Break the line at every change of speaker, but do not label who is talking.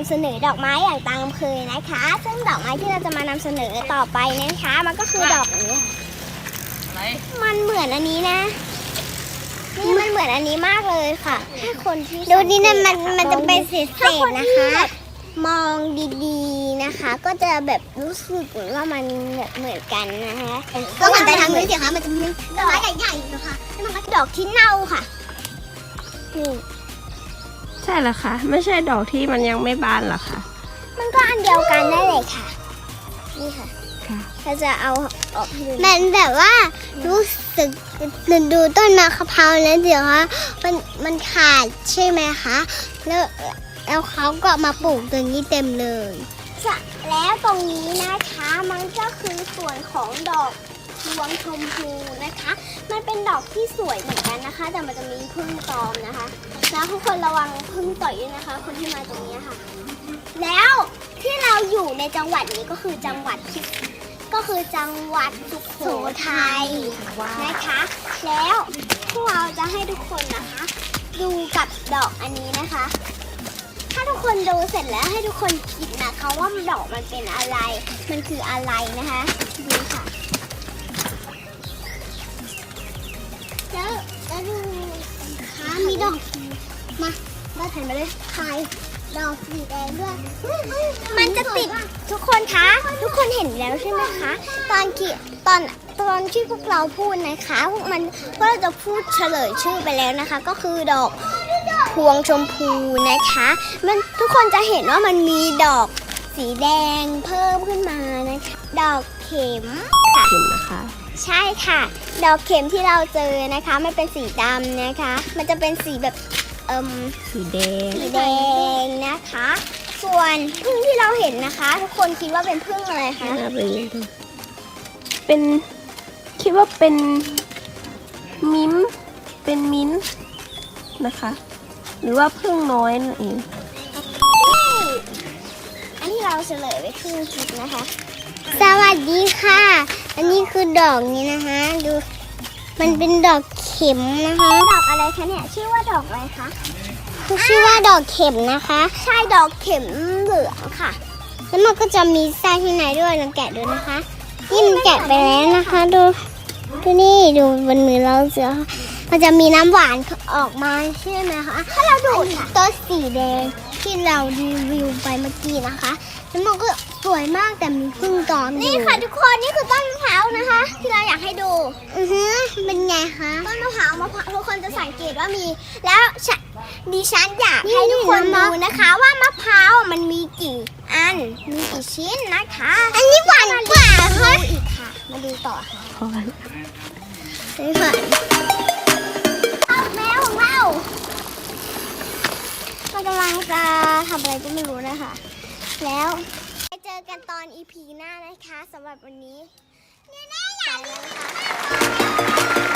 ำเสนอดอกไม้อย่างตามเคยนะคะซึ่งดอกไม้ที่เราจะมานำเสนอต่อไปนะคะมันก็คือดอกนี้มันเหมือนอันนี้นะนี่มันเหมือนอันนี้มากเลยค่ะถ้าคนที่ดูนี่นะมันจะเป็นเศษๆนะคะมองดีๆนะคะก็จะแบบรู้สึกว่ามันแบบเหมือนกันนะคะก็หันไปทางนี้สิคะมันจะมีดอกไม้ใหญ่ๆนะคะแล้วมันก็ดอกที่เน่าค่ะนี่
ใช่เหรอคะไม่ใช่ดอกที่มันยังไม่บานเหรอคะ
มันก็อันเดียวกันได้เลยค่ะนี่ค่ะเราจะเอาออกมันแบบว่ารู้สึกดูต้นมะพร้าวแล้วเดี๋ยวคะมันขาดใช่ไหมคะแล้วเขาก็มาปลูกตรงนี้เต็มเลยแล้วตรงนี้นะคะมันก็คือส่วนของดอกพวงชมพูนะคะมันเป็นดอกที่สวยเหมือนกันนะคะแต่มันจะมีผึ้งตอมนะคะแล้วทุกคนระวังผึ้งต่อยด้วยนะคะคนที่มาตรงนี้ค่ะแล้วที่เราอยู่ในจังหวัดนี้ก็คือจังหวัดสุโขทัยนะคะแล้วพวกเราจะให้ทุกคนนะคะดูกับดอกอันนี้นะคะถ้าทุกคนดูเสร็จแล้วให้ทุกคนคิดนะคะว่าดอกมันเป็นอะไรมันคืออะไรนะคะดูค่ะแล้วดูค่ะมีดอกมาได้ถ่ายมาเลยถ่ายดอกสีแดงด้วยมันจะติดทุกคนคะทุกคนเห็นแล้วใช่ไหมคะตอนที่พวกเราพูดนะคะพวกเราจะพูดเฉลยชื่อไปแล้วนะคะก็คือดอกพวงชมพูนะคะทุกคนจะเห็นว่ามันมีดอกสีแดงเพิ่มขึ้นมานะคะดอกเข็ม
นะคะ
ใช่ค่ะดอกเข็มที่เราเจอนะคะมันเป็นสีดำนะคะมันจะเป็นสีแบบ
สีแด
งนะคะส่วนผึ้งที่เราเห็นนะคะทุกคนคิดว่าเป็นผึ้งอะไรคะ
เป็นคิดว่าเป็นมิ้นท์นะคะ หรือว่าผึ้งน้อยนั่นเอง
อันที่เราเฉลยไปครึ่งคลิปนะคะสวัสดีค่ะอันนี้คือดอกนี้นะคะดูมันเป็นดอกเข็มนะคะดอกอะไรคะเนี่ยชื่อว่าดอกอะไรคะชื่อว่าดอกเข็มนะคะใช่ดอกเข็มเหลืองค่ะแล้วมันก็จะมีไส้ข้างในด้วยลองแกะดูนะคะนี่มันแกะไปแล้วนะคะดูนี่ดูบนมือเราเสือมันจะมีน้ำหวานออกมาใช่ไหมคะถ้าเราดูต้นสีแดงที่เรารีวิวไปเมื่อกี้นะคะแล้วมันก็สวยมากแต่มีผึ้งตอมนี่ค่ะทุกคนนี่คือต้นมะพร้าวนะคะที่เราอยากให้ดูเป็นไงคะต้นมะพร้าวทุกคนจะสังเกตว่ามีแล้วดิฉันอยากให้ทุกคนดูนะคะว่ามะพร้าวมันมีกี่อันมีกี่ชิ้นนะคะอันนี้หวานกว่าค่ะอีกค่ะมาดูต่อค่ะ
พอกัน
นี่ค่ะแมวของเรามันกำลังจะทำอะไรก็ไม่รู้นะคะแล้วไปเจอกันตอน EP หน้านะคะสำหรับวันนี้แน่ๆอย่าลืมค่ะ